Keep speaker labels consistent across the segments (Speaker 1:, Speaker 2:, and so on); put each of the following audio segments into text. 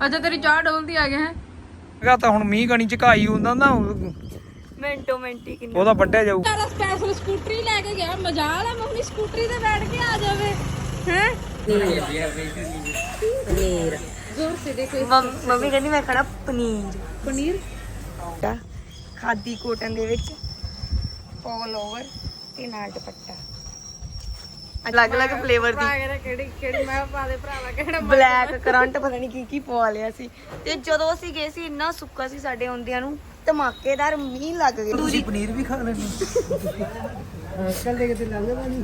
Speaker 1: ਅੱਛਾ ਤੇਰੀ ਚਾਹ ਡੋਲਦੀ ਆ ਗਿਆ ਹੈ
Speaker 2: ਤਾਂ ਹੁਣ ਮੀਂਹ ਕਣੀ ਝਕਾਈ ਹੁੰਦਾ ਨਾ
Speaker 1: ਮਿੰਟੋ ਮਿੰਟੀ ਕਿੰਨਾ
Speaker 2: ਉਹਦਾ ਵੱਢਿਆ ਜਾਊ।
Speaker 1: ਸਾਰਾ ਸਪੈਸ਼ਲ ਸਕੂਟਰੀ ਲੈ ਕੇ ਗਿਆ ਮਜ਼ਾਲ ਆ ਮੰਮੀ ਸਕੂਟਰੀ ਤੇ ਬੈਠ ਕੇ ਆ ਜਾਵੇ ਹੈ ਪਨੀਰ ਜ਼ੋਰ ਸੇ ਦੇਖੋ ਮੰਮੀ ਕਹਿੰਦੀ ਮੈਂ ਖਾਣਾ ਪਨੀਰ ਖਾਦੀ ਕੋਟਨ ਦੇ ਵਿੱਚ ਪੋਲ ਓਵਰ ਤੇ ਨਾਲ ਦੁਪੱਟਾ ਅਲੱਗ-ਅਲੱਗ ਫਲੇਵਰ ਦੀ ਕਿਹੜੀ ਮੈਂ ਪਾ ਦੇ ਭਰਾਵਾ ਕਿਹੜਾ ਬਲੈਕ ਕਰੰਟ ਪਤਾ ਨਹੀਂ ਕੀ ਪਵਾ ਲਿਆ ਸੀ ਤੇ ਜਦੋਂ ਅਸੀਂ ਗਏ ਸੀ ਇੰਨਾ ਸੁੱਕਾ ਸੀ ਸਾਡੇ ਆਉਂਦਿਆਂ ਨੂੰ ਧਮਾਕੇਦਾਰ ਮੀਂਹ ਲੱਗ ਗਿਆ
Speaker 2: ਤੁਸੀਂ ਪਨੀਰ ਵੀ ਖਾ ਲੈਣੀ ਕੱਲ ਦੇ ਕੇ ਤੇ ਲੰਘਦਾ ਨਹੀਂ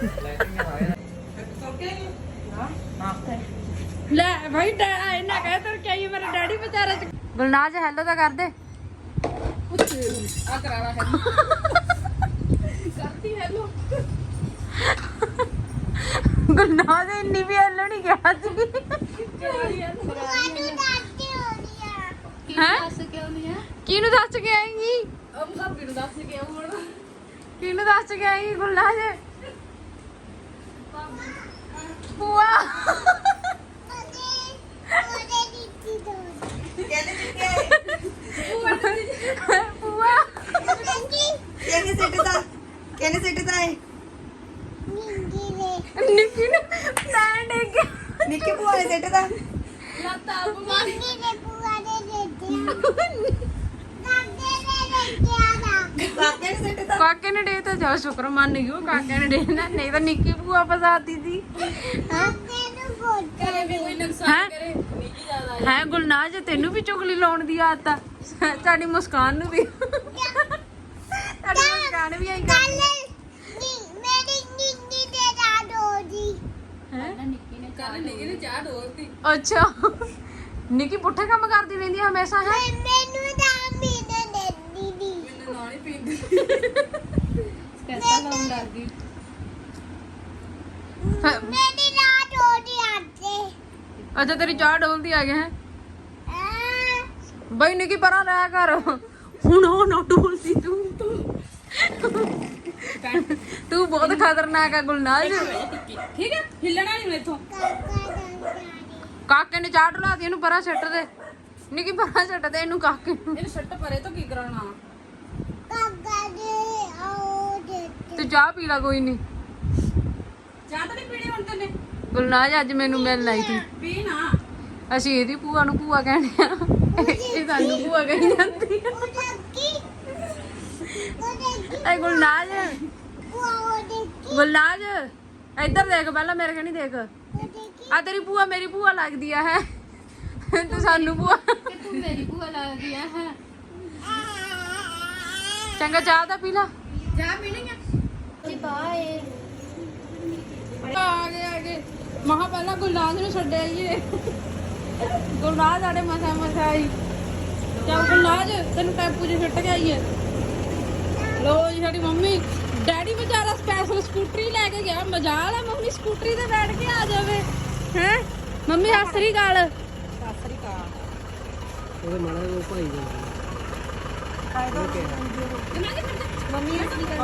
Speaker 1: ਲੈ ਭਾਈ ਇਹਨਾਂ ਕਹੇ ਤਰ ਕਹੀ ਮੇਰਾ ਡੈਡੀ ਵਿਚਾਰਾ ਚ ਗੁਲਨਾਜ ਹੈਲੋ ਤਾਂ ਕਰ ਦੇ ਆ ਕਰਾਵਾ ਹੈਲੋ ਕਰਤੀ ਹੈਲੋ ਗੁਲਨਾਜ ਇੰਨੀ ਵੀ ਹੈਲੋ ਨਹੀਂ ਗਿਆ ਸੀ ਕਿਹਨੂੰ ਦੱਸ ਕੇ ਆਏਂਗੀ ਭਾਬੀ ਨੂੰ ਦੱਸ ਕੇ ਆਉਂ ਹੁਣ ਕਿਹਨੂੰ ਦੱਸ ਕੇ ਆਏਂਗੀ ਗੁਲਨਾਜ ਬੁਆ
Speaker 3: कहने सेट था है
Speaker 1: ਨਿੱਕੀ ਨੂੰ ਮੈਂ ਡਿੱਗ ਗਿਆ
Speaker 3: निक्के बुआ ने सेट था
Speaker 1: ਲੱਤਾਂ ਬਿਮਾਰੀ
Speaker 3: काके ने सेट था
Speaker 1: ਕਾਕੇ ਨੇ ਡੇ ਤਾਂ ਜਾ ਸ਼ੁਕਰ ਮੰਨ ਗਈ ਉਹ ਕਾਕੇ ਨੇ ਡੇ ਨਾ ਨਹੀਂ ਤਾਂ ਨਿੱਕੀ ਭੂਆ ਫਸਾਤੀ ਸੀ ਹੈ ਗੁਲਨਾਜ ਤੈਨੂੰ ਵੀ ਚੁਗਲੀ ਲਾਉਣ ਦੀ ਆਦਤ ਆ ਸਾਡੀ ਮੁਸਕਾਨ ਨੂੰ ਵੀ ਸਾਡੀ ਮੁਸਕਾਨ ਵੀ ਆਈ ਕਰਦੀ ਅੱਛਾ ਨਿੱਕੀ ਪੁੱਠੇ ਕੰਮ ਕਰਦੀ ਰਹਿੰਦੀ ਆ ਹਮੇਸ਼ਾ ਹੈ ਅੱਛਾ ਤੇਰੀ ਚਾਹ ਡੋਲਦੀ ਆ ਗਿਆ ਹੈ ਬਈ ਨਿੱਕੀ ਪਰਾਂ ਲੈ ਕਰ ਹੁਣ ਉਹ ਨਾ ਡੋਲਦੀ ਤੂੰ ਬਹੁਤ ਖਤਰਨਾਕ ਆ ਗੁਲਨਾਜ ਠੀਕ ਹੈ ਹਿੱਲਣਾ ਨਹੀਂ ਮੇਥੋਂ ਕਾਕੇ ਨੇ ਚਾਹ ਢਲਾਤੀ ਇਹਨੂੰ ਪਰਾਂ ਛੱਟ ਦੇ ਨਿੱਕੀ ਪਰਾਂ ਛੱਟ ਦੇ ਇਹਨੂੰ ਕਾਕੇ ਨੂੰ ਇਹਨੂੰ ਛੱਟ ਪਰੇ ਤੋਂ ਕੀ ਕਰਾਉਣਾ ਤੂੰ ਚਾਹ ਪੀ ਲਾ ਕੋਈ ਨਹੀਂ ਚਾਹ ਤਾਂ ਨਹੀਂ ਪੀਣੀ ਹੁਣ ਤੈਨੇ ਗੁਲਨਾਜ ਅੱਜ ਮੈਨੂੰ ਮਿਲਣ ਆਈ ਸੀ ਪੀ ਨਾ ਅਸੀਂ ਇਹਦੀ ਭੂਆ ਨੂੰ ਭੂਆ ਕਹਿੰਦੇ ਆ ਇਹ ਸਾਨੂੰ ਭੂਆ ਕਹੀ ਜਾਂਦੀ ਆ ਗੁਲਨਾਜ ਗੁਲਨਾਜ ਇੱਧਰ ਦੇਖ ਪਹਿਲਾਂ ਮੇਰੇ ਕਣੀ ਦੇਖ ਆ ਤੇਰੀ ਭੂਆ ਮੇਰੀ ਭੂਆ ਲੱਗਦੀ ਆ ਹੈ ਤੂੰ ਸਾਨੂੰ ਭੂਆ ਤੂੰ ਮੇਰੀ ਭੂਆ ਲੱਗਦੀ ਆ ਹੈ ਚੰਗਾ ਚਾਹ ਤਾਂ ਪੀ ਲਾ ਚਾਹ ਪੀਣੀ ਆ ਜੀ ਬਾਏ ਆ ਗਏ ਮਹਾ ਪਹਿਲਾਂ ਗੁਲਨਾਜ ਨੂੰ ਛੱਡਿਆ ਈਏ ਗੁਲਨਾਜ ਸਾਡੇ ਮਸਾ ਆਈ ਚੱਲ ਗੁਲਨਾਜ ਤੈਨੂੰ ਟੈਂਪੂ 'ਚ ਛੱਟ ਕੇ ਆਈਏ ਲੋ ਜੀ ਸਾਡੀ ਮੰਮੀ ਡੈਡੀ ਵਿਚਾਰਾ ਸਪੈਸ਼ਲ ਸਕੂਟਰੀ ਲੈ ਕੇ ਗਿਆ ਮਜ਼ਾਲ ਆ ਮੰਮੀ ਸਕੂਟਰੀ ਤੇ ਬੈਠ ਕੇ ਆ ਜਾਵੇ ਹੈ ਮੰਮੀ ਸਤਿ ਸ੍ਰੀ ਅਕਾਲ
Speaker 2: ਉਹਦੇ ਮਾੜਾ ਉਹ ਭਾਈ ਦਾ
Speaker 1: ਮੰਮੀ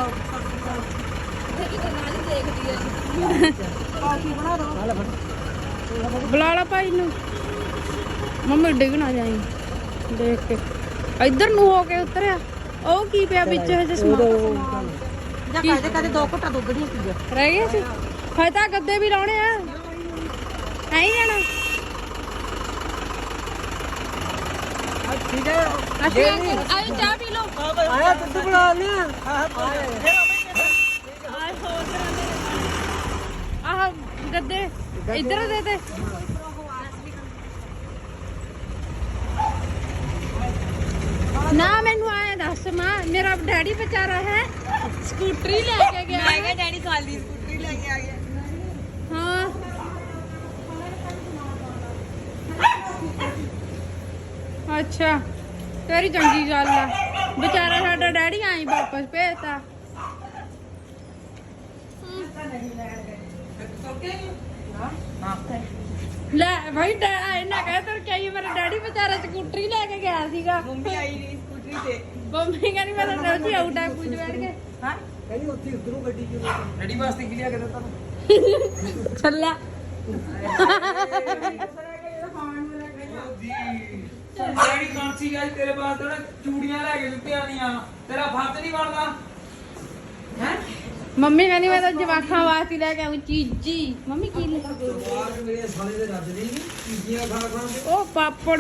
Speaker 1: ਬੁਲਾ ਲਾ ਭਾਈ ਨੂੰ ਮੰਮੀ ਡਿੱਗ ਨਾ ਜਾਈ ਦੇਖ ਕੇ ਇੱਧਰ ਨੂੰ ਹੋ ਕੇ ਉਤਰਿਆ ਉਹ ਕੀ ਪਿਆ ਵਿੱਚ ਹਜੇ ਸਮਾਨ
Speaker 3: ਜਾਂ ਕਦੇ ਦੋ ਘਟਾ ਦੁੱਧ ਨਹੀਂ ਪੀਆ
Speaker 1: ਰਹਿ ਗਏ ਸੀ ਹਜੇ ਤਾਂ ਗੱਦੇ ਵੀ ਲਾਉਣੇ ਆ ਐਂ ਹੀ ਜਾਣਾ
Speaker 2: ਠੀਕ ਹੈ
Speaker 1: ਅਸੀਂ ਆਇਓ ਚਾਹ ਪੀ ਲਓ
Speaker 2: ਆਇਆ ਦੁੱਧ ਬਣਾ ਲਿਆ
Speaker 1: ਆਹ ਗੱਦੇ ਇੱਧਰ ਦੇ ਤੇ ਨਾ ਮੈਨੂੰ ਆਇਆ ਦੱਸ ਮਾਂ ਮੇਰਾ ਡੈਡੀ ਵਿਚਾਰਾ ਹੈ ਸਕੂਟਰੀ ਲੈ ਕੇ ਗਿਆ
Speaker 3: ਮੈਂ ਕਿਹਾ ਡੈਡੀ ਖਾਲੀ ਸਕੂਟਰੀ ਲੈ ਕੇ ਆ ਗਿਆ
Speaker 1: ਹਾਂ ਅੱਛਾ ਤੇਰੀ ਚੰਗੀ ਗੱਲ ਆ ਵਿਚਾਰਾ ਸਾਡਾ ਡੈਡੀ ਆਈ ਵਾਪਸ ਭੇਜਤਾ ਲੈ ਭਾਈ ਇਹਨਾਂ ਕਹੇ ਤਰ ਕਹੀ ਮੇਰਾ ਡੈਡੀ ਵਿਚਾਰਾ ਸਕੂਟਰੀ ਲੈ ਕੇ ਗਿਆ ਸੀਗਾ
Speaker 3: ਮੰਮੀ ਆਈ ਨਹੀਂ ਸਕੂਟਰੀ ਤੇ
Speaker 1: ਮੰਮੀ ਕਹਿੰਦੀ ਮੈਂ ਤਾਂ ਰੋਜ਼ ਆਊਟ ਆ ਪੁੱਜ ਬੈਠ ਕੇ
Speaker 3: ਹਾਂ
Speaker 2: ਕਹਿੰਦੀ ਉੱਥੇ ਉਧਰੋਂ ਗੱਡੀ ਕਿਉਂ ਰੈਡੀ ਵਾਸਤੇ ਕੀ ਲਿਆ ਕੇ ਦਿੱਤਾ ਤੂੰ
Speaker 1: ਚੱਲਿਆ
Speaker 2: ਜਿਹੜੀ ਕਾਂਸੀ ਗੱਲ ਤੇਰੇ ਬਾਅਦ ਤੋਂ ਚੂੜੀਆਂ ਲੈ ਕੇ ਦਿੱਤੀਆਂ ਦੀਆਂ ਤੇਰਾ ਫਰਜ਼ ਨਹੀਂ ਬਣਦਾ ਹੈ
Speaker 4: ਮੰਮੀ ਕਹਿੰਦੀ ਮੈਂ ਤਾਂ ਜਵਾਖਾਂ ਵਾਸਤੇ ਲੈ ਕੇ ਆਉਂ ਚੀਜੀ ਮੰਮੀ ਕੀ ਲੈ ਕੇ
Speaker 2: ਬਾਹਰ ਮੇਰੇ ਸਾਲੇ ਦੇ ਰੱਜ ਨਹੀਂ ਚੀਜ਼ੀਆਂ ਖਾ ਖਾ ਕੇ
Speaker 4: ਉਹ ਪਾਪੜ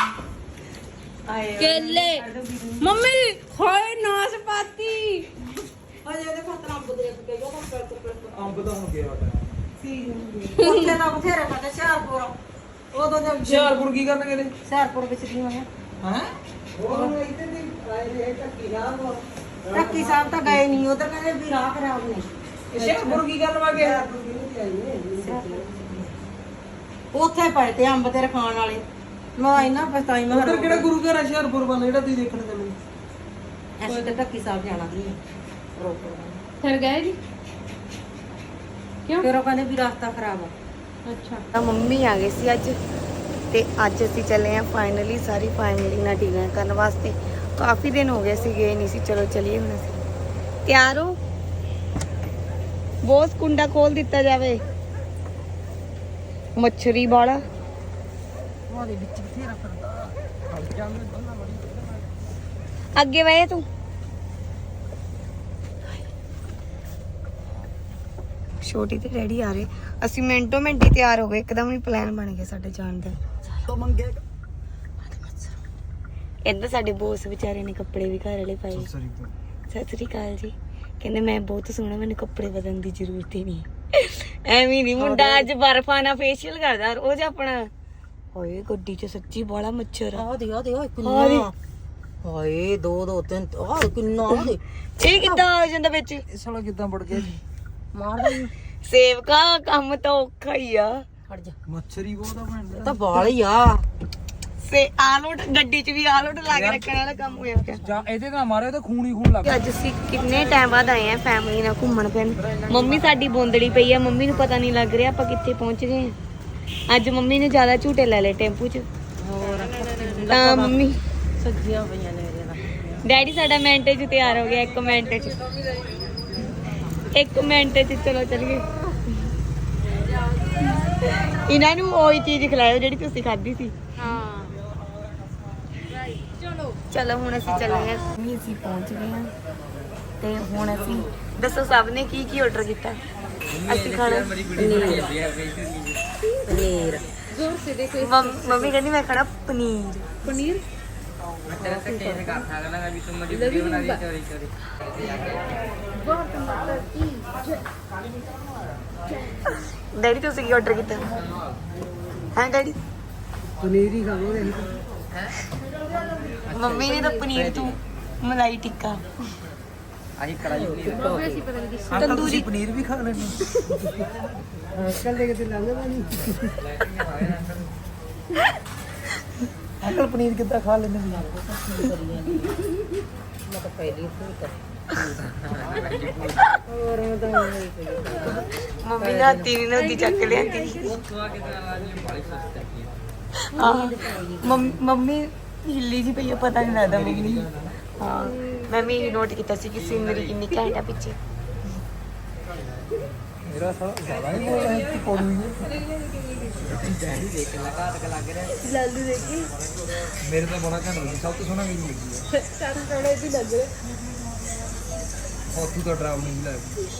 Speaker 4: ਕੇਲੇ ਮੰਮੀ ਹੋਏ ਨਾਸਪਾਤੀ
Speaker 3: ਅਜੇ ਇਹਦੇ ਖਤਰਾ ਅੰਬ ਦੇ ਕੇ ਜੋ ਕੰਮ
Speaker 2: ਅੰਬ ਤਾਂ ਹੁਣ ਗਿਆ
Speaker 3: ਉੱਥੇ ਨਾ ਬਥੇਰੇ ਪਤਾ ਸ਼ਹਿਰਪੁਰ ਉਦੋਂ ਦੇ
Speaker 2: ਹੁਸ਼ਿਆਰਪੁਰ ਕੀ ਕਰਨਗੇ ਨੇ
Speaker 3: ਸ਼ਹਿਰਪੁਰ ਵਿੱਚ ਨਹੀਂ ਹੋਇਆ
Speaker 2: ਹੈ
Speaker 3: ਉਹ ਇੱਥੇ ਦੀ ਆਏ ਨੇ ਟੱਕੀ ਸਾਹਿਬ ਤਾਂ ਗਏ ਨਹੀਂ ਉਧਰ ਕਹਿੰਦੇ ਵੀ ਰਾਹ ਖਰਾਬ ਨੇ
Speaker 2: ਹੁਸ਼ਿਆਰਪੁਰ ਕੀ ਕਰਨ ਵਾਗੇ
Speaker 3: ਉੱਥੇ ਪਏ ਤੇ ਅੰਬ ਤੇਰੇ ਖਾਣ ਵਾਲੇ ਮੈਂ ਇੰਨਾ ਪਛਤਾਈ ਮੈਂ
Speaker 2: ਉਧਰ ਕਿਹੜਾ ਗੁਰੂ ਘਰ ਹੈ ਹੁਸ਼ਿਆਰਪੁਰ ਵੱਲ ਜਿਹੜਾ ਤੁਸੀਂ ਦੇਖਣ ਚੱਲੇ
Speaker 3: ਅਸੀਂ ਤੇ ਟੱਕੀ ਸਾਹਿਬ ਜਾਣਾ ਸੀ ਰੋਪੜ
Speaker 4: ਫਿਰ ਗਏ ਜੀ ਕਿਉਂ
Speaker 3: ਫਿਰ ਉਹ ਕਹਿੰਦੇ ਵੀ ਰਸਤਾ ਖਰਾਬ ਆ
Speaker 4: ਅੱਛਾ
Speaker 1: ਤਾਂ ਮੰਮੀ ਆ ਗਏ ਸੀ ਅੱਜ ਤੇ ਅੱਜ ਅਸੀਂ ਚੱਲੇ ਆ ਫਾਈਨਲੀ ਸਾਰੀ ਫੈਮਿਲੀ ਨਾਲ ਡਿਨਰ ਕਰਨ ਵਾਸਤੇ ਕਾਫੀ ਦਿਨ ਹੋ ਗਏ ਸੀ ਗਏ ਨਹੀਂ ਸੀ ਚਲੋ ਚਲੀਏ ਹੁਣ ਅਸੀਂ ਤਿਆਰ ਹੋ ਬੋਸ ਕੁੰਡਾ ਖੋਲ ਦਿੱਤਾ ਜਾਵੇ ਮੱਛਰੀ ਵਾਲਾ
Speaker 3: ਉਹਦੇ ਵਿੱਚ ਬਥੇਰਾ ਫਿਰਦਾ
Speaker 1: ਅੱਗੇ ਵੇ ਤੂੰ ਛੋਟੀ ਤੇ ਡੈਡੀ ਆ ਰਹੇ ਅਸੀਂ ਮਿੰਟੋ ਮਿੰਟ ਹੀ ਤਿਆਰ ਹੋ ਗਏ ਇੱਕਦਮ ਹੀ ਪਲਾਨ ਬਣ ਗਿਆ ਸਾਡੇ ਜਾਣ ਦਾ ਇੱਧਰ ਸਾਡੇ ਬੋਸ ਵਿਚਾਰੇ ਨੇ ਕੱਪੜੇ ਵੀ ਘਰ ਵਾਲੇ ਪਾਏ ਸਤਿ ਸ੍ਰੀ ਅਕਾਲ ਜੀ ਕਹਿੰਦੇ ਮੈਂ ਬਹੁਤ ਸੋਹਣਾ ਮੈਨੂੰ ਕੱਪੜੇ ਬਦਲਣ ਦੀ ਜ਼ਰੂਰਤ ਹੀ ਨਹੀਂ ਐਵੇਂ ਨਹੀਂ ਮੁੰਡਾ ਅੱਜ ਬਰਫਾਨਾ ਫੇਸ਼ੀਅਲ ਕਰਦਾ ਰੋਜ਼ ਆਪਣਾ ਹੋਏ ਗੱਡੀ 'ਚ ਸੱਚੀ ਬੜਾ ਮੱਛਰ ਆ
Speaker 3: ਦੇ ਕਿੰਨਾ ਹਾਏ 2 2 3 ਆਹ ਕਿੰਨਾ ਉਹਦੇ
Speaker 1: ਇਹ ਕਿੱਦਾਂ ਹੋ ਜਾਂਦਾ ਵਿੱਚ
Speaker 2: ਇਹ ਸਾਲਾ ਕਿੱਦਾਂ ਵੜ ਗਿਆ ਜੀ
Speaker 3: ਮਾਰਦਾ
Speaker 1: ਸੇਵਕਾ ਕੰਮ ਤਾਂ ਔਖਾ ਹੀ ਆ
Speaker 3: ਹਟ ਜਾ
Speaker 2: ਮੱਛਰੀ ਬਹੁਤਾ ਬਣਦਾ
Speaker 3: ਤਾਂ ਵਾਲ ਹੀ ਆ
Speaker 1: ਸੇ ਆਲੋਟ ਗੱਡੀ 'ਚ ਵੀ ਆਲੋਟ ਲਾ ਕੇ ਰੱਖਣ ਵਾਲਾ ਕੰਮ ਹੋਇਆ ਪਿਆ
Speaker 2: ਜਾਂ ਇਹਦੇ ਨਾਲ ਮਾਰੇ ਤਾਂ ਖੂਨ ਹੀ ਖੂਨ ਲੱਗ
Speaker 1: ਅੱਜ ਅਸੀਂ ਕਿੰਨੇ ਟਾਈਮ ਬਾਅਦ ਆਏ ਆ ਫੈਮਿਲੀ ਨਾਲ ਘੁੰਮਣ ਫਿਰਨ ਮੰਮੀ ਸਾਡੀ ਬੋਂਦੜੀ ਪਈ ਆ ਮੰਮੀ ਨੂੰ ਪਤਾ ਨਹੀਂ ਲੱਗ ਰਿਹਾ ਆਪਾਂ ਕਿੱਥੇ ਪਹੁੰਚ ਗਏ ਆ ਅੱਜ ਮੰਮੀ ਨੇ ਜ਼ਿਆਦਾ ਝੂਟੇ ਲੈ ਲਏ ਟੈਂਪੂ 'ਚ
Speaker 3: ਹੋਰ
Speaker 1: ਤਾਂ ਮੰਮੀ
Speaker 3: ਸੱਜੀਆਂ ਪਈਆਂ ਨੇ ਮੇਰੇ ਨਾਲ
Speaker 1: ਡੈਡੀ ਸਾਡਾ ਮਿੰਟ 'ਚ ਤਿਆਰ ਹੋ ਗਿਆ 1 ਮਿੰਟ 'ਚ 1 ਮਿੰਟ 'ਚ ਚਲੋ ਚੱਲੀਏ ਇਹਨਾਂ ਨੂੰ ਉਹੀ ਚੀਜ਼ ਖਿਲਾਇਓ ਜਿਹੜੀ ਤੁਸੀਂ ਖਾਧੀ ਸੀ
Speaker 4: ਹਾਂ
Speaker 1: ਚਲੋ ਹੁਣ ਅਸੀਂ ਚੱਲੇ ਹਾਂ ਵੀ ਅਸੀਂ ਪਹੁੰਚ ਗਏ ਹਾਂ ਤੇ ਹੁਣ ਅਸੀਂ ਦੱਸੋ ਸਭ ਨੇ ਕੀ ਕੀ ਆਰਡਰ ਕੀਤਾ ਅਸੀਂ ਖਾਣਾ
Speaker 3: ਪਨੀਰ
Speaker 4: ਜ਼ੋਰ ਸੇ ਦੇਖੋ
Speaker 1: ਮੰਮੀ ਕਹਿੰਦੀ ਮੈਂ ਖਾਣਾ ਪਨੀਰ
Speaker 4: ਪਨੀਰ
Speaker 1: ਡੈਡੀ ਤੁਸੀਂ ਕੀ ਆਰਡਰ ਕੀਤਾ ਹਾਂ ਡੈਡੀ
Speaker 2: ਪਨੀਰ ਹੀ ਖਾਵਾਂਗੇ
Speaker 1: ਮੰਮੀ ਨੇ ਤਾਂ ਪਨੀਰ ਤੂੰ ਮਲਾਈ ਟਿੱਕਾ
Speaker 2: ਆਹੀ ਕੜਾਈ
Speaker 4: ਮੰਮੀ ਅਸੀਂ ਪਤਾ ਨਹੀਂ ਕਿਸ
Speaker 1: ਤੰਦੂਰੀ
Speaker 2: ਪਨੀਰ ਵੀ ਖਾ ਲੈਣੇ ਅੰਕਲ ਦੇ ਕਿਤੇ ਲੰਘਦਾ ਨਹੀਂ ਅੰਕਲ ਪਨੀਰ ਕਿੱਦਾਂ ਖਾ ਲੈਂਦੇ ਨੇ
Speaker 3: ਮੈਂ ਤਾਂ ਪਹਿਲੀ ਹੋਰ ਮੈਂ ਤਾਂ
Speaker 1: ਮੰਮੀ ਨੇ ਹੱਥੀ ਨਹੀਂ ਨਦੀ ਚੱਕ ਲਿਆਂਦੀ ਮੰਮੀ ਹਿੱਲੀ ਜੀ ਪਈ ਆ ਪਤਾ ਨਹੀਂ ਲੱਗਦਾ ਮੰਮੀ ਹਾਂ ਮੈਂ ਵੀ ਨੋਟ ਕੀਤਾ ਸੀ ਕਿ ਸੀਨਰੀ ਕਿੰਨੀ ਘੈਂਟ ਆ ਪਿੱਛੇ
Speaker 2: ਮੇਰਾ ਸਾਲਾ ਜ਼ਿਆਦਾ ਹੀ ਬੋਲ ਰਿਹਾ ਕਿ ਪੜੂਈ
Speaker 1: ਲਾਲੂ ਦੇਖੀ
Speaker 2: ਮੇਰੇ ਤਾਂ ਬੜਾ ਘੈਂਟ ਲੱਗੀ ਸਭ ਤੋਂ ਸੋਹਣਾ ਮੈਨੂੰ ਲੱਗੀ ਹੈ
Speaker 4: ਸਾਨੂੰ ਥੋੜੇ ਵੀ ਲੱਗ ਰਿਹਾ
Speaker 2: ਤੂੰ ਤਾਂ ਡਰਾਵਣੀ ਨਹੀਂ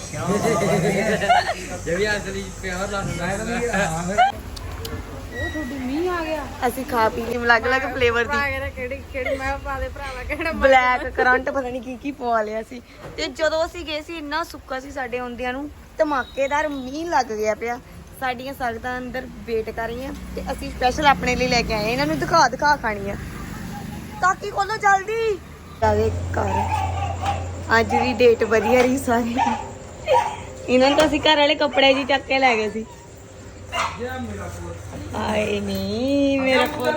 Speaker 2: ਲੱਗਦੀ ਜੇ ਵੀ ਅਸਲੀ ਪਿਆਰ ਲੱਗਦਾ
Speaker 4: ਉਹ ਤੁਹਾਡੀ ਮੀਂਹ ਆ ਗਿਆ
Speaker 1: ਅਸੀਂ ਖਾ ਪੀ ਕੇ ਅਲੱਗ-ਅਲੱਗ ਫਲੇਵਰ ਦੀ
Speaker 4: ਕਿਹੜੀ ਮੈਂ ਪਾ ਦੇ ਭਰਾਵਾ ਕਿਹੜਾ
Speaker 1: ਬਲੈਕ ਕਰੰਟ ਪਤਾ ਨਹੀਂ ਕੀ ਪਵਾ ਲਿਆ ਸੀ ਤੇ ਜਦੋਂ ਅਸੀਂ ਗਏ ਸੀ ਇੰਨਾ ਸੁੱਕਾ ਸੀ ਸਾਡੇ ਆਉਂਦਿਆਂ ਨੂੰ ਧਮਾਕੇਦਾਰ ਮੀਂਹ ਲੱਗ ਗਿਆ ਪਿਆ ਸਾਡੀਆਂ ਸੰਗਤਾਂ ਅੰਦਰ ਵੇਟ ਕਰ ਰਹੀਆਂ ਤੇ ਅਸੀਂ ਸਪੈਸ਼ਲ ਆਪਣੇ ਲਈ ਲੈ ਕੇ ਆਏ ਇਹਨਾਂ ਨੂੰ ਦਿਖਾ ਖਾਣੀ ਆ ਤਾਕੀ ਖੋਲੋ ਜਲਦੀ ਆ ਗਏ ਘਰ ਅੱਜ ਦੀ ਡੇਟ ਵਧੀਆ ਰਹੀ ਸਾਰੀ ਇਹਨਾਂ ਨੂੰ ਤਾਂ ਅਸੀਂ ਘਰ ਵਾਲੇ ਕੱਪੜੇ ਜੀ ਚੱਕ ਕੇ ਲੈ ਗਏ ਸੀ ਆਏ ਨਹੀਂ ਮੇਰਾ ਪੁੱਤ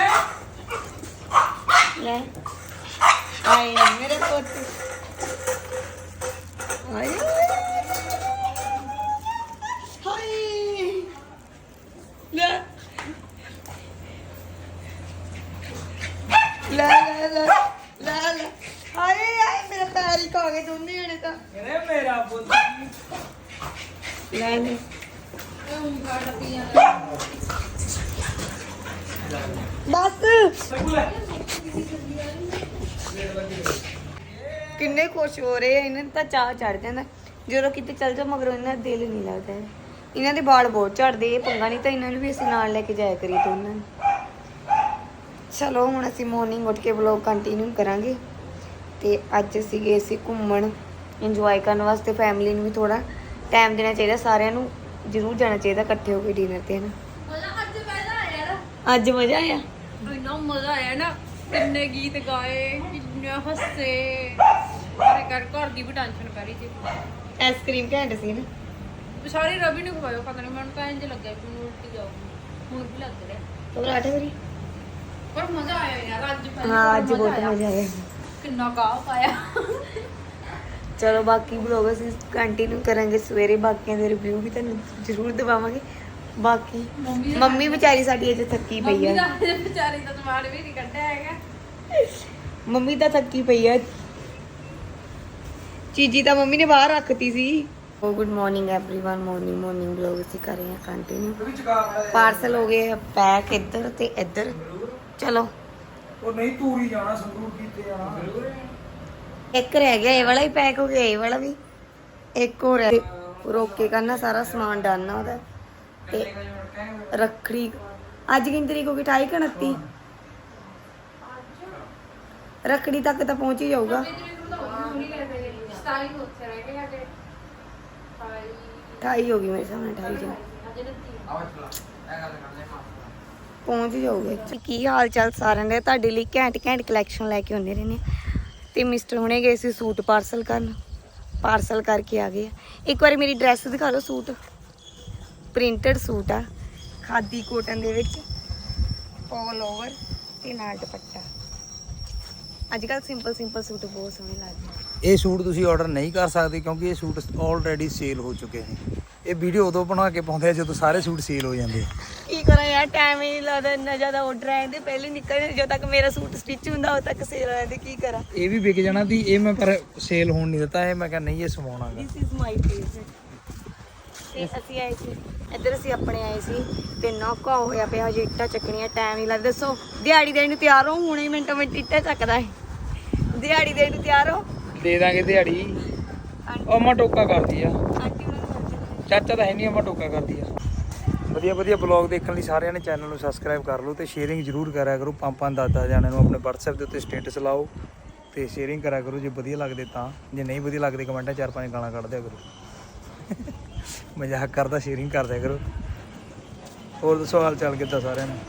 Speaker 1: ਲੈ ਆਏ ਨੀ ਮੇਰੇ ਪੁੱਤ ਆਏ ਹਾਏ ਲੈ ਲੈ ਲੈ ਲੈ ਲੈ ਲੈ ਹਾਏ ਆਏ ਮੇਰੇ ਪੈਰ ਹੀ ਖਾ ਗਏ ਦੋਨੇ ਜਣੇ ਤਾਂ
Speaker 2: ਅਰੇ ਮੇਰਾ ਪੁੱਤ
Speaker 1: ਲੈ ਲੈ ਕਿੰਨੇ ਖੁਸ਼ ਹੋ ਰਹੇ ਆ, ਇਹਨਾਂ ਨੂੰ ਤਾਂ ਚਾਹ ਚੜ ਜਾਂਦਾ ਜਦੋਂ ਕਿਤੇ ਚੱਲ ਜਾ, ਮਗਰੋਂ ਇਹਨਾਂ ਦਾ ਦਿਲ ਨਹੀਂ ਲੱਗਦਾ ਹੈ। ਇਹਨਾਂ ਦੇ ਵਾਲ ਬਹੁਤ ਝੜਦੇ, ਇਹ ਪੰਗਾ ਨਹੀਂ ਤਾਂ ਇਹਨਾਂ ਨੂੰ ਵੀ ਅਸੀਂ ਨਾਲ ਲੈ ਕੇ ਜਾਇਆ ਕਰੀਏ ਦੋਨਾਂ ਨੂੰ। ਚਲੋ ਹੁਣ ਅਸੀਂ ਮਾਰਨਿੰਗ ਉੱਠ ਕੇ ਵਲੌਗ ਕੰਟੀਨਿਊ ਕਰਾਂਗੇ। ਤੇ ਅੱਜ ਅਸੀਂ ਗਏ ਸੀ ਘੁੰਮਣ, ਇੰਜੋਏ ਕਰਨ ਵਾਸਤੇ। ਫੈਮਿਲੀ ਨੂੰ ਵੀ ਥੋੜਾ ਟਾਈਮ ਦੇਣਾ ਚਾਹੀਦਾ, ਸਾਰਿਆਂ ਨੂੰ ਜ਼ਰੂਰ ਜਾਣਾ ਚਾਹੀਦਾ ਇਕੱਠੇ ਹੋ ਕੇ ਡਿਨਰ ਤੇ ਨਾ। ਅੱਜ ਮਜ਼ਾ ਆਇਆ,
Speaker 4: ਇੰਨਾ ਮਜ਼ਾ ਆਇਆ ਨਾ, ਕਿੰਨੇ ਗੀਤ ਗਾਏ, ਕਿੰਨੇ ਹੱਸੇ, ਸਾਰੇ ਘਰ ਦੀ ਵੀ ਟੈਨਸ਼ਨ ਪੈ ਰਹੀ ਸੀ।
Speaker 1: ਆਈਸਕ੍ਰੀਮ ਘੈਂਟ ਸੀ ਨਾ।
Speaker 4: ਸਾਰੀ ਰਵੀ ਨੂੰ ਖਵਾਇਓ, ਪਤਾ ਨਹੀਂ ਮੈਨੂੰ ਤਾਂ ਇੰਜ ਲੱਗਿਆ ਕਿ ਮੈਨੂੰ ਉਲਟੀ ਜਾਊਗੀ, ਹੁਣ ਵੀ ਲੱਗ ਰਿਹਾ।
Speaker 1: ਪਰਾਠੇ ਵਾਰੀ
Speaker 4: ਪਰ ਮਜ਼ਾ ਆਇਆ ਯਾਰ ਅੱਜ ਪਹਿਲੀ
Speaker 1: ਹਾਂ,
Speaker 4: ਵਾਰ
Speaker 1: ਅੱਜ ਬਹੁਤ ਮਜ਼ਾ ਆਇਆ।
Speaker 4: ਕਿੰਨਾ ਗਾਹ ਪਾਇਆ।
Speaker 1: ਚਲੋ ਬਾਕੀ ਵਲੌਗ ਅਸੀਂ ਕੰਟੀਨਿਊ ਕਰਾਂਗੇ ਸਵੇਰੇ, ਬਾਕੀਆਂ ਦੇ ਰਿਵਿਊ ਵੀ ਤੁਹਾਨੂੰ ਜ਼ਰੂਰ ਦਿਵਾਵਾਂਗੇ। ਬਾਕੀ ਮੰਮੀ ਵਿਚਾਰੀ ਸਾਡੀ ਅਜੇ ਥੱਕੀ ਪਈ
Speaker 4: ਮੰਮੀ
Speaker 1: ਆ,
Speaker 4: ਦਾ ਵਿਚਾਰੀ ਦਾ ਸਮਾਨ ਵੀ ਨਹੀਂ ਕੱਢਿਆ ਹੈਗਾ।
Speaker 1: ਮੰਮੀ ਤਾਂ ਥੱਕੀ ਪਈ ਆ। ਚੀਜੀ ਤਾਂ ਮੰਮੀ ਨੇ ਬਾਹਰ ਰੱਖਤੀ ਸੀ। Oh good morning everyone, morning vlog ਅਸੀਂ ਕਰ ਰਹੇ ਹਾਂ ਕੰਟੀਨਿਊ। ਪਾਰਸਲ ਹੋ ਗਏ ਪੈਕ ਇੱਧਰ ਤੇ ਇੱਧਰ। ਚਲੋ
Speaker 2: ਉਹ ਨਹੀਂ ਤੂਰੀ ਜਾਣਾ, ਸੰਗਰੂਰ ਕੀਤੇ ਜਾਣਾ।
Speaker 1: ਇੱਕ ਰਹਿ ਗਿਆ, ਇਹ ਵਾਲਾ ਹੀ ਪੈਕ ਹੋ ਗਿਆ, ਇਹ ਵਾਲਾ ਵੀ ਇੱਕ ਹੋਰ ਹੈ। ਰੋਕ ਕੇ ਕਰਨਾ, ਸਾਰਾ ਸਮਾਨ ਡਾਲਣਾ ਉਹਦਾ। ਤੇ ਰੱਖੜੀ ਅੱਜ ਕਿੰਨੀ ਤਰੀਕ ਹੋ ਗਈ? 28 ਕਿ 29? ਰੱਖੜੀ ਤੱਕ ਤਾਂ ਪਹੁੰਚ ਹੀ ਜਾਊਗਾ। 28 ਹੋ ਗਈ ਮੇਰੇ ਸਾਹਮਣੇ, 28 ਜਨ ਪਹੁੰਚ ਹੀ ਜਾਊਗੇ। ਕੀ ਹਾਲ ਚਾਲ ਸਾਰਿਆਂ ਦੇ? ਤੁਹਾਡੇ ਲਈ ਘੈਂਟ ਕਲੈਕਸ਼ਨ ਲੈ ਕੇ ਆਉਂਦੇ ਰਹਿੰਦੇ ਤੇ ਮਿਸਟਰ ਹੁਣੇ ਗਏ ਸੀ ਸੂਟ ਪਾਰਸਲ ਕਰਨ, ਪਾਰਸਲ ਕਰਕੇ ਆ ਗਏ। ਇੱਕ ਵਾਰੀ ਮੇਰੀ ਡਰੈਸ ਦਿਖਾ ਲਓ। ਸੂਟ ਪ੍ਰਿੰਟਡ ਸੂਟ ਆ, ਖਾਦੀ ਕੋਟਨ ਦੇ ਵਿੱਚ, ਆਲ ਓਵਰ ਤੇ ਨਾਲ ਦੁਪੱਟਾ। ਅੱਜ ਕੱਲ ਸਿੰਪਲ ਸੂਟ ਬਹੁਤ ਸੋਹਣੇ ਲੱਗਦੇ।
Speaker 2: ਇਹ ਸੂਟ ਤੁਸੀਂ ਆਰਡਰ ਨਹੀਂ ਕਰ ਸਕਦੇ ਕਿਉਂਕਿ ਇਹ ਸੂਟ ਆਲਰੇਡੀ ਸੇਲ ਹੋ ਚੁੱਕੇ ਨੇ। ਇਹ ਵੀਡੀਓ ਉਦੋਂ ਬਣਾ ਕੇ ਪਾਉਂਦੇ ਆ ਜਦੋਂ ਸਾਰੇ ਸੂਟ ਸੇਲ ਹੋ ਜਾਂਦੇ ਆ।
Speaker 1: ਕੀ ਕਰਾਂ ਯਾਰ, ਟਾਈਮ ਹੀ ਨਹੀਂ ਲੱਗਦਾ, ਇੰਨਾ ਜ਼ਿਆਦਾ ਆਰਡਰ ਆਏ ਤੇ ਪਹਿਲੇ ਨਿਕਲਦੇ, ਜਦੋਂ ਤੱਕ ਮੇਰਾ ਸੂਟ ਸਟਿਚ ਹੁੰਦਾ ਉਦੋਂ ਤੱਕ ਸੇਲ ਆ ਜਾਂਦੀ। ਕੀ ਕਰਾਂ,
Speaker 2: ਇਹ ਵੀ ਵਿਕ ਜਾਣਾ ਸੀ, ਇਹ ਮੈਂ ਪਰ ਸੇਲ ਹੋਣ ਨਹੀਂ ਦਿੱਤਾ। ਇਹ ਮੈਂ ਕਿਹਾ ਨਹੀਂ, ਇਹ ਸਵਾਉਣਾਗਾ।
Speaker 1: This is my face. ਤੇ ਅਸੀਂ ਆਏ ਸੀ ਇੱਧਰ, ਅਸੀਂ ਆਪਣੇ ਆਏ ਸੀ ਤੇ ਨੌਕਾ ਹੋਇਆ ਪਿਆ, ਹਜੇ ਇੱਟਾਂ ਚੱਕਣੀਆਂ, ਟਾਈਮ ਹੀ ਲੱਗਦਾ। ਦੱਸੋ ਦਿਹਾੜੀ ਦੇਣ ਨੂੰ ਤਿਆਰ ਹੋ? ਹੁਣੇ ਮਿੰਟੋ ਮਿੰਟ ਇੱਟਾਂ ਚੱਕਦਾ ਹੈ। ਦਿਹਾੜੀ ਦੇਣ ਨੂੰ ਤਿਆਰ ਹੋ?
Speaker 2: ਦੇ ਦਾਂਗੇ ਦਿਹਾੜੀ। ਅਮਾ ਟੋਕਾ ਕਰਦੀ ਆ,
Speaker 1: ਆਂਟੀ ਨੂੰ
Speaker 2: ਚਾਚਾ ਤਾਂ ਹੈ ਨਹੀਂ, ਅਮਾ ਟੋਕਾ ਕਰਦੀ ਆ। ਵਧੀਆ ਬਲੌਗ ਦੇਖਣ ਲਈ ਸਾਰਿਆਂ ਨੇ ਚੈਨਲ ਨੂੰ ਸਬਸਕ੍ਰਾਈਬ ਕਰ ਲਓ ਤੇ ਸ਼ੇਅਰਿੰਗ ਜ਼ਰੂਰ ਕਰਿਆ ਕਰੋ। 5-10 ਜਾਣਿਆਂ ਨੂੰ ਆਪਣੇ WhatsApp ਦੇ ਉੱਤੇ ਸਟੇਟਸ ਲਾਓ ਤੇ ਸ਼ੇਅਰਿੰਗ ਕਰਿਆ ਕਰੋ ਜੇ ਵਧੀਆ ਲੱਗਦੇ ਤਾਂ। ਜੇ ਨਹੀਂ ਵਧੀਆ ਲੱਗਦੇ ਕਮੈਂਟਾਂ 4-5 ਗਾਲਾਂ ਕੱਢ ਦਿਆ ਕਰੋ। ਮਜ਼ਾਕ ਕਰਦਾ, ਸ਼ੇਅਰਿੰਗ ਕਰ ਦਿਆ ਕਰੋ। ਹੋਰ ਦੱਸੋ ਹਾਲ ਚਾਲ ਕਿੱਦਾਂ ਸਾਰਿਆਂ ਨੂੰ?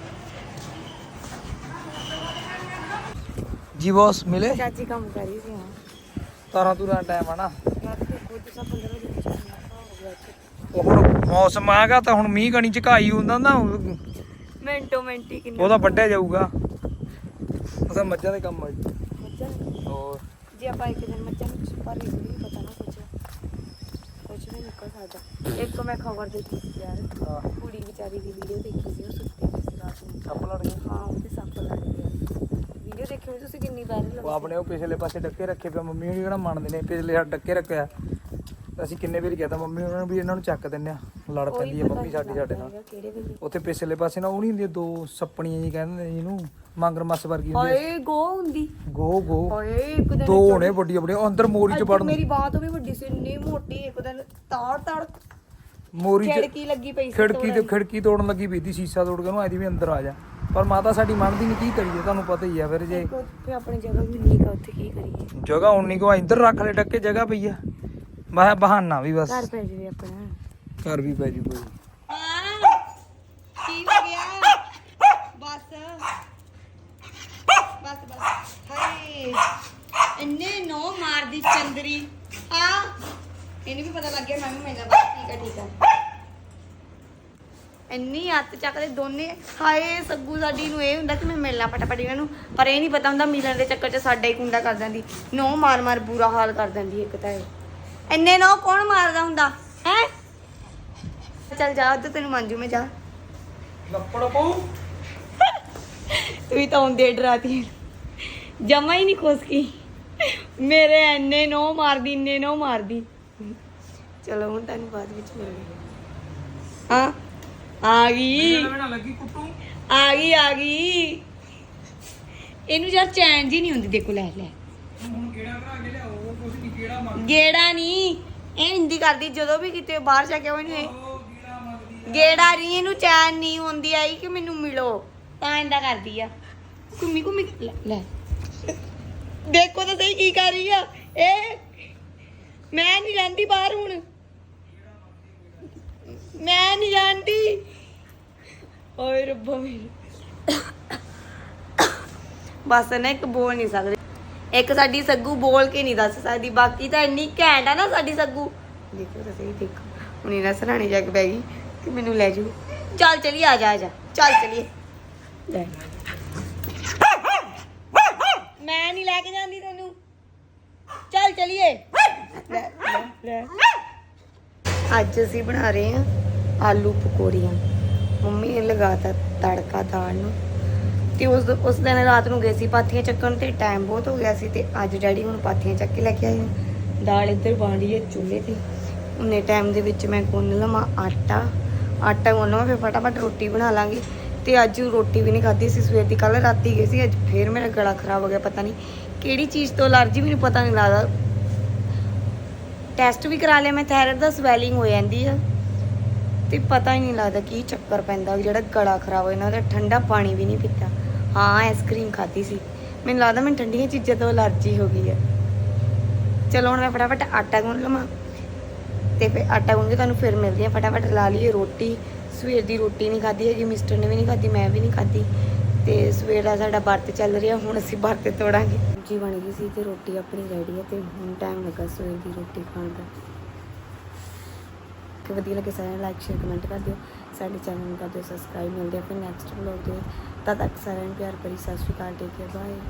Speaker 2: ਜੀ ਬੌਸ ਮਿਲੇ?
Speaker 1: ਚਾਚੀ ਕੰਮ ਕਰ ਰਹੀ ਸੀ। ਹਾਂ
Speaker 2: ਤਾਰਾਂ ਤੂਰਾਂ ਟਾਈਮ ਆ ਨਾ,
Speaker 1: ਰਾਤ ਦੇ ਕੁਝ ਸਾ 15 ਵਜੇ ਹੋ ਗਿਆ।
Speaker 2: ਉਹ ਹੁਣ ਮੌਸਮ ਆਗਾ ਤਾਂ ਹੁਣ ਮੀਂਹ ਕਣੀ ਝਕਾਈ ਹੁੰਦਾ ਨਾ,
Speaker 1: ਮਿੰਟੋ ਮਿੰਟ ਹੀ ਕਿੰਨਾ
Speaker 2: ਉਹਦਾ ਵੱਢਿਆ ਜਾਊਗਾ। ਉਹਦਾ ਮੱਝਾਂ ਦੇ ਕੰਮ ਆ ਜੀ।
Speaker 1: ਮੱਝਾਂ
Speaker 2: ਹੋਰ
Speaker 1: ਜੇ ਆਪਾਂ ਇੱਕ ਦਿਨ ਮੱਝਾਂ ਨੂੰ ਪਰ ਵੀ ਨਹੀਂ ਪਤਾ ਨਾ, ਕੁਝ ਵੀ ਨਿਕਲ ਸਕਦਾ। ਇੱਕ ਮੈਂ ਖਬਰ ਦੇਖੀ ਸੀ ਯਾਰ, ਕੁੜੀ ਵਿਚਾਰੀ ਦੀ ਵੀਡੀਓ ਦੇਖੀ ਸੀ, ਉਹ ਸੁੱਤੀ ਪਈ ਸੀ ਰਾਤ ਨੂੰ,
Speaker 2: ਸੱਪ ਲੜ ਗਏ।
Speaker 1: ਹਾਂ ਉਹਦੇ ਸੱਪ ਲੜ ਗਿਆ। ਵੀਡੀਓ ਦੇਖੀ ਹੋਈ ਤੁਸੀਂ? ਕਿੰਨੀ ਵਾਇਰਲ
Speaker 2: ਉਹ ਆਪਣੇ ਉਹ ਪਿਛਲੇ ਪਾਸੇ ਡੱਕੇ ਰੱਖੇ ਪਿਆ, ਮੰਮੀ ਹੋਣੀ ਕਿਹੜਾ ਮੰਨਦੇ ਨੇ, ਪਿਛਲੇ ਸਾਈਡ ਡੱਕੇ ਰੱਖਿਆ। ਅਸੀਂ ਕਿੰਨੇ ਵਾਰੀ ਕਹਿਤਾ ਮੰਮੀ ਉਹਨਾਂ ਨੂੰ ਵੀ ਇਹਨਾਂ ਨੂੰ ਚੱਕ ਦਿੰਦੇ ਆ, ਲੜ ਪੈਂਦੀ ਆ ਮੰਮੀ ਸਾਡੇ ਨਾਲ।
Speaker 1: ਕਿਹੜੇ ਵੇਲੇ?
Speaker 2: ਉੱਥੇ ਪਿਛਲੇ ਪਾਸੇ ਨਾ ਉਹ ਨਹੀਂ ਹੁੰਦੀਆਂ ਦੋ ਸੱਪਣੀਆਂ ਜੀ ਕਹਿੰਦੇ ਨੇ ਜਿਹਨੂੰ, ਮੰਗਰ ਮੱਸ ਵਰਗੀ ਹੁੰਦੀ ਆ।
Speaker 1: ਹਾਏ ਗੋ ਹੁੰਦੀ।
Speaker 2: ਗੋ
Speaker 1: ਹਾਏ ਇੱਕ ਦਿਨ
Speaker 2: ਦੋ ਹੋਣੇ ਵੱਡੀਆਂ ਵੱਡੀਆਂ, ਅੰਦਰ ਮੋਰੀ ਚ ਵੜਨ।
Speaker 1: ਮੇਰੀ ਬਾਤ ਵੀ ਵੱਡੀ ਸੀ, ਇੰਨੀ ਮੋਟੀ। ਇੱਕ ਦਿਨ ਤਾੜ
Speaker 2: ਮੋਰੀ ਚ
Speaker 1: ਖਿੜਕੀ ਲੱਗੀ ਪਈ ਸੀ,
Speaker 2: ਖਿੜਕੀ ਤੋੜਨ ਲੱਗੀ ਪਈ ਸੀ, ਸ਼ੀਸ਼ਾ ਤੋੜ ਕੇ ਉਹਨੂੰ ਆਦੀ ਵੀ ਅੰਦਰ ਆ ਜਾ। ਪਰ ਮਾਤਾ ਸਾਡੀ ਮੰਨਦੀ ਨਹੀਂ, ਕੀ ਕਰੀਏ ਤੁਹਾਨੂੰ ਪਤਾ ਹੀ ਆ। ਫਿਰ ਜੇ
Speaker 1: ਉੱਥੇ ਆਪਣੀ ਜਗ੍ਹਾ ਵੀ ਨਹੀਂ ਕਾ, ਉੱਥੇ ਕੀ ਕਰੀਏ?
Speaker 2: ਜਗ੍ਹਾ ਉਨੀ ਕੋ ਇੱਧਰ ਰੱਖ ਲੈ ਡੱਕੇ, ਜਗ੍ਹਾ ਪਈ ਆ। ਮੈਂ ਬਹਾਨਾ ਵੀ ਬਸ,
Speaker 1: ਘਰ ਪੈ ਜਾਵੇ ਆਪਣਾ।
Speaker 2: ਘਰ ਵੀ ਪੈ ਜੂ ਕੋਈ।
Speaker 1: ਕੀ ਹੋ ਗਿਆ? ਬਸ ਹਾਏ ਇੰਨੇ ਨੋ ਮਾਰਦੀ ਚੰਦਰੀ ਆ। ਇਹਨੂੰ ਵੀ ਪਤਾ ਲੱਗ ਗਿਆ ਮੈਂ ਵੀ ਮੈਨਾਂ। ਬਸ ਠੀਕ ਆ। ਇੰਨੀ ਹੱਥ ਚੱਕਦੇ ਦੋਨੇ। ਹਾਏ ਸੱਗੂ ਸਾਡੀ ਨੂੰ ਇਹ ਹੁੰਦਾ ਕਿ ਮੈਂ ਮਿਲਣਾ ਫਟਾਫਟ ਇਹਨਾਂ ਨੂੰ, ਪਰ ਇਹ ਨਹੀਂ ਪਤਾ ਹੁੰਦਾ ਮਿਲਣ ਦੇ ਚੱਕਰ 'ਚ ਸਾਡਾ ਹੀ ਕੁੰਡਾ ਕਰ ਦਿੰਦੀ। ਨੋ ਮਾਰ ਬੁਰਾ ਹਾਲ ਕਰ ਦਿੰਦੀ। ਇੱਕ ਤਾਂ ਇਹ ਇੰਨੇ ਨੋ ਕੌਣ ਮਾਰਦਾ ਹੁੰਦਾ ਹੈ? ਚੱਲ ਜਾ ਉੱਧਰ, ਤੈਨੂੰ ਮੰਜੂ ਮੈਂ ਜਾ।
Speaker 2: ਲੱਪੜ ਪਾਉ
Speaker 1: ਤੂੰ ਤਾਂ ਆਉਂਦੇ ਡਰਾਤੀ, ਜਮਾ ਹੀ ਨਹੀਂ ਖੁਸ਼ਕੀ ਮੇਰੇ। ਇੰਨੇ ਨੋ ਮਾਰਦੀ। ਚਲੋ ਹੁਣ ਤੁਹਾਨੂੰ ਬਾਅਦ ਵਿੱਚ ਮਿਲਦੇ ਹਾਂ। ਆ ਗਈ
Speaker 2: ਲੱਗੀ ਕੁੱਟੂ।
Speaker 1: ਆ ਗਈ ਇਹਨੂੰ ਯਾਰ ਚੈਨ ਜੀ ਨਹੀਂ ਹੁੰਦੀ। ਦੇਖੋ ਲੈ ਲੈ
Speaker 2: ਹੁਣ ਕਿਹੜਾ ਭਰਾ ਕੇ ਲਿਆਓ ਹੋਰ ਕੁਝ ਨਹੀਂ ਕਿਹੜਾ ਮੰਗ
Speaker 1: ਗੇੜਾ ਨਹੀਂ, ਇਹ ਹਿੰਦੀ ਕਰਦੀ ਜਦੋਂ ਵੀ ਕਿਤੇ ਬਾਹਰ ਜਾ ਕੇ ਇਹਨੂੰ ਇਹ
Speaker 2: ਉਹ ਕਿਹੜਾ ਮੰਗਦੀ
Speaker 1: ਗੇੜਾ ਨਹੀਂ, ਇਹਨੂੰ ਚੈਨ ਨਹੀਂ ਹੁੰਦੀ ਆਈ ਕਿ ਮੈਨੂੰ ਮਿਲੋ, ਤਾਂ ਇੰਦਾ ਕਰਦੀ ਆ। ਘੁੰਮੀ ਘੁੰਮੀ ਲੈ ਲੈ ਦੇਖੋ ਤਾਂ ਸਹੀ ਕੀ ਕਰ ਰਹੀ ਆ ਇਹ। ਮੈਂ ਨਹੀਂ ਜਾਂਦੀ ਬਾਹਰ ਹੁਣ, ਮੈਂ ਨਹੀਂ ਜਾਂਦੀ। ਓਏ ਰੱਬਾ ਮੇਰੇ ਬਸ ਨਾ ਇੱਕ ਬੋਲ ਨਹੀਂ ਸਕਦੇ। ਇੱਕ ਸਾਡੀ ਸੱਗੂ ਬੋਲ ਕੇ ਨਹੀਂ ਦੱਸ ਸਕਦੀ, ਬਾਕੀ ਤਾਂ ਇੰਨੀ ਘੈਂਟ ਆ ਨਾ ਸਾਡੀ ਸੱਗੂ। ਦੇਖੋ ਤਾਂ ਸਹੀ, ਦੇਖੋ ਹੁਣ ਇਹਨਾਂ ਸਰਾਣੇ ਜਾ ਕੇ ਬਹਿ ਗਈ ਕਿ ਮੈਨੂੰ ਲੈ ਜਾਓ। ਚੱਲ ਚਲੀਏ, ਆ ਜਾ ਆ ਜਾ, ਚੱਲ ਚਲੀਏ। ਲੈ ਮੈਂ ਨਹੀਂ ਲੈ ਕੇ ਜਾਂਦੀ ਤੈਨੂੰ, ਚੱਲ ਚਲੀਏ। ਲੈ ਲੈ ਲੈ ਅੱਜ ਅਸੀਂ ਬਣਾ ਰਹੇ ਹਾਂ ਆਲੂ ਪਕੌੜੀਆਂ। ਮੰਮੀ ਨੇ ਲਗਾਤਾ ਤੜਕਾ ਦਾਲ ਨੂੰ, ਤੇ ਉਸ ਦਿਨ ਰਾਤ ਨੂੰ ਗਏ ਸੀ ਪਾਥੀਆਂ ਚੱਕਣ ਤੇ ਟਾਈਮ ਬਹੁਤ ਹੋ ਗਿਆ ਸੀ, ਤੇ ਅੱਜ ਡੈਡੀ ਹੁਣ ਪਾਥੀਆਂ ਚੱਕ ਕੇ ਲੈ ਕੇ ਆਏ ਆ। ਦਾਲ ਇੱਧਰ ਬਣ ਰਹੀ ਹੈ ਚੁੱਲ੍ਹੇ ਤੇ। ਉਨੇ ਟਾਈਮ ਦੇ ਵਿੱਚ ਮੈਂ ਗੁੰਨ ਲਵਾਂ ਆਟਾ ਗੁੰਨ ਲਵਾਂ, ਫਿਰ ਫਟਾਫਟ ਰੋਟੀ ਬਣਾ ਲਾਂਗੇ। ਤੇ ਅੱਜ ਰੋਟੀ ਵੀ ਨਹੀਂ ਖਾਧੀ ਸੀ ਸਵੇਰ ਦੀ, ਕੱਲ ਰਾਤੀ ਗਏ ਸੀ, ਅੱਜ ਫੇਰ ਮੇਰਾ ਗਲਾ ਖਰਾਬ ਹੋ ਗਿਆ। ਪਤਾ ਨਹੀਂ ਕਿਹੜੀ ਚੀਜ਼ ਤੋਂ ਅਲਰਜੀ, ਮੈਨੂੰ ਪਤਾ ਨਹੀਂ ਲੱਗਦਾ। ਟੈਸਟ ਵੀ ਕਰਾ ਲਿਆ ਮੈਂ, ਥਾਇਰਾਇਡ ਦਾ ਸਵੈਲਿੰਗ ਹੋ ਜਾਂਦੀ ਆ, ਤੇ ਪਤਾ ਹੀ ਨਹੀਂ ਲੱਗਦਾ ਕੀ ਚੱਕਰ ਪੈਂਦਾ ਜਿਹੜਾ ਗਲਾ ਖਰਾਬ ਹੋ ਜਾਂਦਾ। ਠੰਡਾ ਪਾਣੀ ਵੀ ਨਹੀਂ ਪੀਤਾ। ਹਾਂ ਆਈਸਕ੍ਰੀਮ ਖਾਧੀ ਸੀ, ਮੈਨੂੰ ਲੱਗਦਾ ਮੈਨੂੰ ਠੰਡੀਆਂ ਚੀਜ਼ਾਂ ਤੋਂ ਅਲਰਜੀ ਹੋ ਗਈ ਹੈ। ਚਲੋ ਹੁਣ ਮੈਂ ਫਟਾਫਟ ਆਟਾ ਗੁੰਨ ਲਵਾਂ, ਤੇ ਫਿਰ ਆਟਾ ਗੁੰਨ ਕੇ ਤੁਹਾਨੂੰ ਫਿਰ ਮਿਲਦੀ ਆ। ਫਟਾਫਟ ਲਾ ਲਈਏ ਰੋਟੀ। ਸਵੇਰ ਦੀ ਰੋਟੀ ਨਹੀਂ ਖਾਧੀ ਹੈਗੀ, ਮਿਸਟਰ ਨੇ ਵੀ ਨਹੀਂ ਖਾਧੀ, ਮੈਂ ਵੀ ਨਹੀਂ ਖਾਧੀ। ਤੇ ਸਵੇਰ ਦਾ ਸਾਡਾ ਵਰਤ ਚੱਲ ਰਿਹਾ, ਹੁਣ ਅਸੀਂ ਵਰਤ ਤੋੜਾਂਗੇ। ਸਬਜ਼ੀ ਬਣ ਗਈ ਸੀ ਤੇ ਰੋਟੀ ਆਪਣੀ ਰੈਡੀ ਹੈ, ਤੇ ਹੁਣ ਟਾਈਮ ਲੱਗਾ ਸਵੇਰ ਦੀ ਰੋਟੀ ਖਾਣ ਦਾ। ਕਿ ਵਧੀਆ ਲੱਗੇ ਸਾਰਿਆਂ ਨੂੰ ਲਾਈਕ ਸ਼ੇਅਰ ਕਮੈਂਟ ਕਰ ਦਿਓ, ਸਾਡੇ ਚੈਨਲ ਨੂੰ ਕਰ ਦਿਓ ਸਬਸਕ੍ਰਾਈਬ। ਮਿਲਦੇ ਆ ਫਿਰ ਨੈਕਸਟ ਵਲੋਗ ਦੇ, ਤਦ ਤੱਕ ਸਾਰਿਆਂ ਨੂੰ ਪਿਆਰ ਭਰੀ ਸਤਿ ਸ਼੍ਰੀ ਅਕਾਲ, ਟੇਕ ਕੇਅਰ, ਬਾਏ।